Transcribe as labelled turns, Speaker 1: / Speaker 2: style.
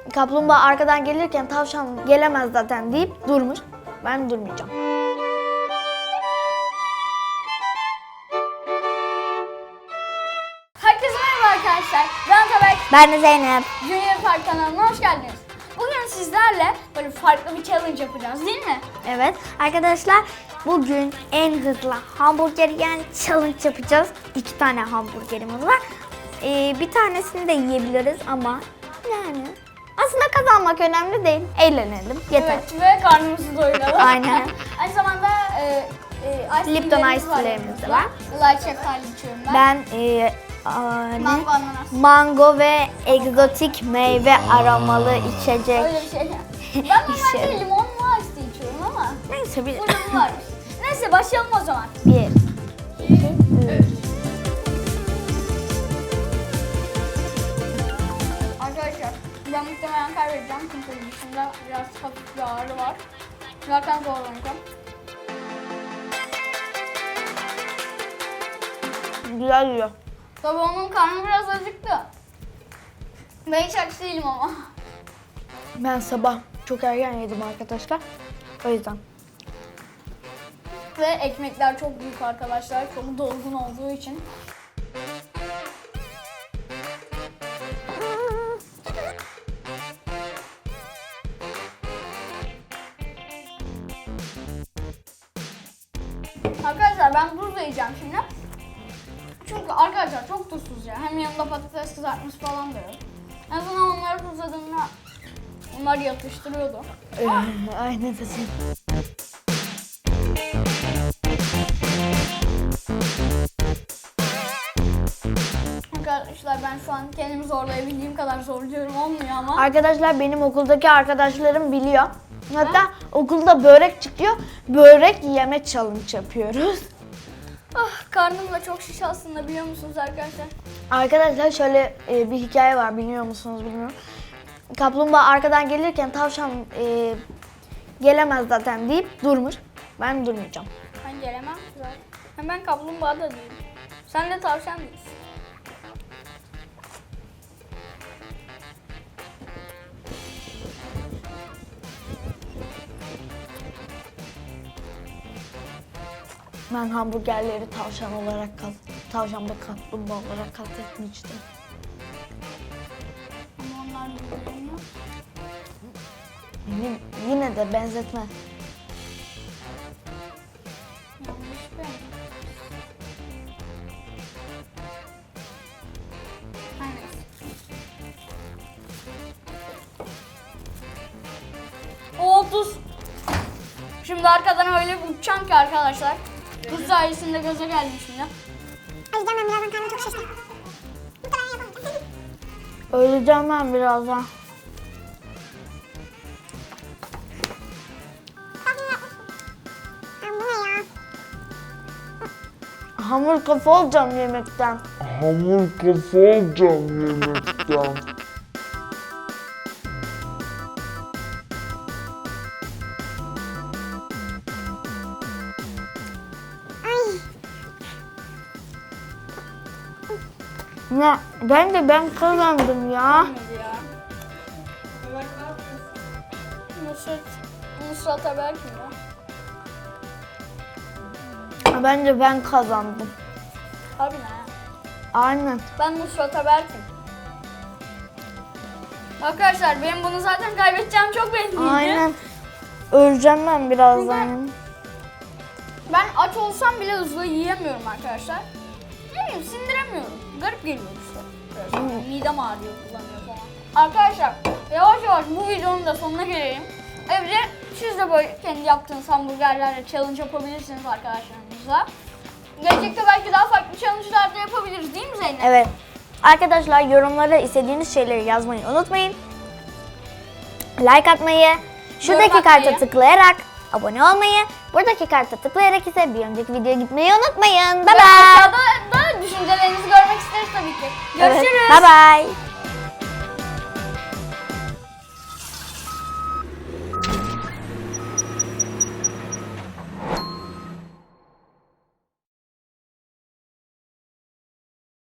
Speaker 1: Kaplumbağa arkadan gelirken tavşan gelemez zaten deyip durmuş. Ben durmayacağım.
Speaker 2: Herkese merhaba arkadaşlar. Ben Tabak.
Speaker 1: Ben de Zeynep.
Speaker 2: Junior Park kanalına hoş geldiniz. Bugün sizlerle böyle farklı bir challenge yapacağız değil mi?
Speaker 1: Evet arkadaşlar, bugün en hızlı hamburger yani challenge yapacağız. 2 tane hamburgerimiz var. Bir tanesini de yiyebiliriz ama yani aslında kazanmak önemli değil. Eğlenelim yeter.
Speaker 2: Evet ve karnımızı doyuralım.
Speaker 1: Aynen.
Speaker 2: Aynı zamanda
Speaker 1: Lipton Ice Tea'lerimiz de var.
Speaker 2: Light şeftali içiyorum ben.
Speaker 1: Ben
Speaker 2: Mango ananas.
Speaker 1: mango ve egzotik meyve aromalı içecek.
Speaker 2: Öyle bir şey. Ben normalde
Speaker 1: İçiyorum.
Speaker 2: limonlu ice tea içiyorum ama
Speaker 1: Neyse bir...
Speaker 2: burada bu varmış. Neyse başlayalım o zaman.
Speaker 1: 1, 2, 3.
Speaker 2: Arkadaşlar ben muhtemelen kaybedeceğim çünkü dışında biraz hafif bir ağrı var. Zaten zorlanacağım.
Speaker 1: Güzel yiyor.
Speaker 2: Tabii onun karnı biraz acıktı. Ben hiç aç değilim ama.
Speaker 1: Ben sabah çok erken yedim arkadaşlar. O yüzden.
Speaker 2: Ve ekmekler çok büyük arkadaşlar. Çok dolgun olduğu için. Arkadaşlar ben tuz da yiyeceğim şimdi. Çünkü arkadaşlar çok tuzsuz ya. Hem yanında patates kızartması falan da yok. En azından onları tuzladığımda onlar yatıştırıyordu.
Speaker 1: Ay nefesim.
Speaker 2: Arkadaşlar ben şu an kendimi zorlayabildiğim kadar zorluyorum, olmuyor ama.
Speaker 1: Arkadaşlar benim okuldaki arkadaşlarım biliyor. Hatta okulda börek çıkıyor. Börek yeme challenge yapıyoruz.
Speaker 2: Ah, karnım da çok şiş aslında, biliyor musunuz arkadaşlar?
Speaker 1: Arkadaşlar şöyle bir hikaye var, biliyor musunuz bilmiyorum. Kaplumbağa arkadan gelirken tavşan gelemez zaten deyip durmuş. Ben durmayacağım.
Speaker 2: Ben gelemem zaten. Hem ben kaplumbağa da değilim. Sen de tavşan değilsin.
Speaker 1: Ben hamburgerleri tavşan olarak tavşan ve kaplumbağa olarak kastetmiştim.
Speaker 2: Ama onlar birbirlerini yok.
Speaker 1: Yine de benzetme.
Speaker 2: Yanlış ben. Her neyse. O tuz. Şimdi arkadan öyle bir uçacağım ki arkadaşlar. Tuz sayesinde gaza geldim şimdi.
Speaker 3: O yüzden ben birazdan karnım çok şişti. Muhtemelen yapamayacağım.
Speaker 1: Öleceğim ben birazdan.
Speaker 3: Bu ne ya?
Speaker 1: Hamur kafa olacağım yemekten.
Speaker 4: Hamur kafa olacağım yemekten.
Speaker 1: Ya ben kazandım ya.
Speaker 2: Olmadı ya. Nusrat Haber kim ya?
Speaker 1: Bence ben kazandım.
Speaker 2: Abi ne ya?
Speaker 1: Aynen.
Speaker 2: Ben Nusrat Haber kim? Arkadaşlar benim bunu zaten kaybedeceğim çok belliydi.
Speaker 1: Aynen. Öleceğim ben birazdan.
Speaker 2: Ben aç olsam bile hızlı yiyemiyorum arkadaşlar. Ne bileyim, sindiremiyorum. Garip geliyor işte. Biraz midem ağrıyor, kullanıyor falan. Arkadaşlar yavaş yavaş bu videonun da sonuna gelelim. Evde siz de böyle kendi yaptığınız hamburgerlerle challenge yapabilirsiniz arkadaşlarınızla. Gelecekte belki daha farklı challenge'lar da yapabiliriz değil mi Zeynep?
Speaker 1: Evet. Arkadaşlar yorumlara istediğiniz şeyleri yazmayı unutmayın. Like atmayı, şuradaki
Speaker 2: Yorum
Speaker 1: karta
Speaker 2: atmayı.
Speaker 1: tıklayarak abone olmayı, buradaki karta tıklayarak ise bir önceki videoya gitmeyi unutmayın. Bye
Speaker 2: Ve
Speaker 1: bye.
Speaker 2: aşağıda da düşüncelerinizi görmek isteriz tabii ki. Görüşürüz.
Speaker 1: Bye bye.